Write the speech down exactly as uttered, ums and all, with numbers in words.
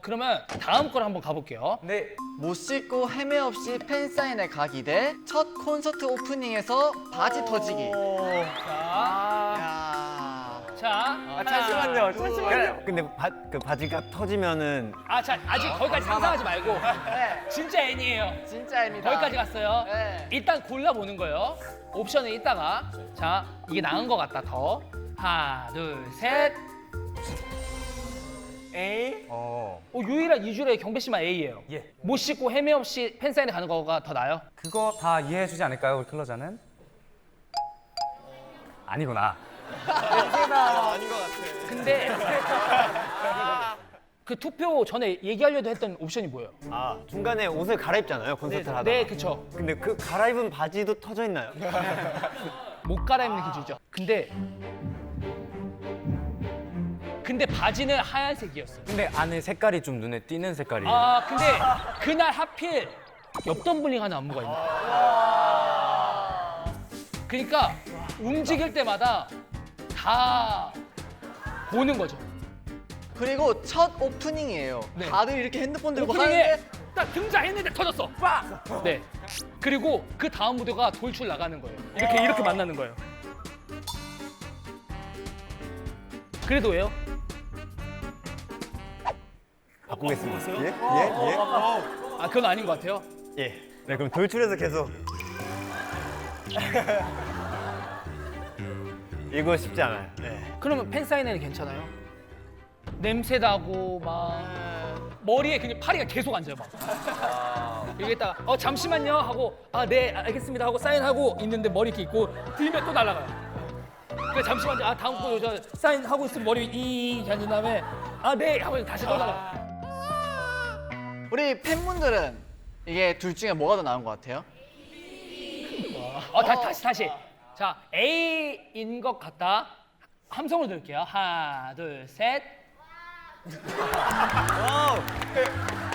그러면 다음 걸 한번 가볼게요. 네. 못 씻고 헤매 없이 팬사인회 가기 대 첫 콘서트 오프닝에서 바지 터지기. 자, 야. 자, 아, 잠시만요. 잠시만요. 근데 바, 그 바지가 터지면은 아, 자, 아직 거기까지 상상하지 말고 네, 진짜 N이에요. 진짜입니다. 거기까지 갔어요. 네. 일단 골라보는 거예요. 옵션은 이따가. 자, 이게 나은 것 같다, 더. 하나, 둘, 셋. A. 어. 어, 유일한 이주의 경배 씨만 A예요. 예. 못 씻고 헤매 없이 팬사인회 가는 거가 더 나아요? 그거 다 이해해주지 않을까요, 우리 클로저는? 아니구나. 근데 그 투표 전에 얘기하려고 했던 옵션이 뭐예요? 아 중간에 옷을 갈아입잖아요 콘서트를 하다가. 네, 그쵸. 근데 그 갈아입은 바지도 터져 있나요? 못 갈아입는 기준이죠. 근데 근데 바지는 하얀색이었어요. 근데 안에 색깔이 좀 눈에 띄는 색깔이에요. 아, 근데 그날 하필 옆 덤블링 하는 안무가 있는 거예요. 그러니까 움직일 때마다 다 보는 거죠. 그리고 첫 오프닝이에요. 네. 다들 이렇게 핸드폰 들고 오프닝에 하는데 딱 등장했는데 터졌어. 빡! 네. 그리고 그 다음 무대가 돌출 나가는 거예요. 이렇게 이렇게 만나는 거예요. 그래도 왜요? 바꾸겠습니다. 예? 예? 예? 아, 그건 아닌 것 같아요. 예. 네 그럼 돌출해서 계속 이거 쉽지 않아요. 네. 그러면 팬사인회는 괜찮아요? 냄새 나고 막 머리에 그냥 파리가 계속 앉아요 막. 여기다가 어 잠시만요 하고 아 네 알겠습니다 하고 사인하고 있는데 머리 이렇게 있고 들면 또 날아가요. 그 잠시만요 아 다음 거 저 사인하고 있으면 머리 이 앉은 다음에 아 네 하고 다시 또 날아. 우리 팬분들은 이게 둘 중에 뭐가 더 나은 것 같아요? 어 다시 다시 다시. 자 A인 것 같다. 함성으로 들을게요. 하나 둘 셋. 와우.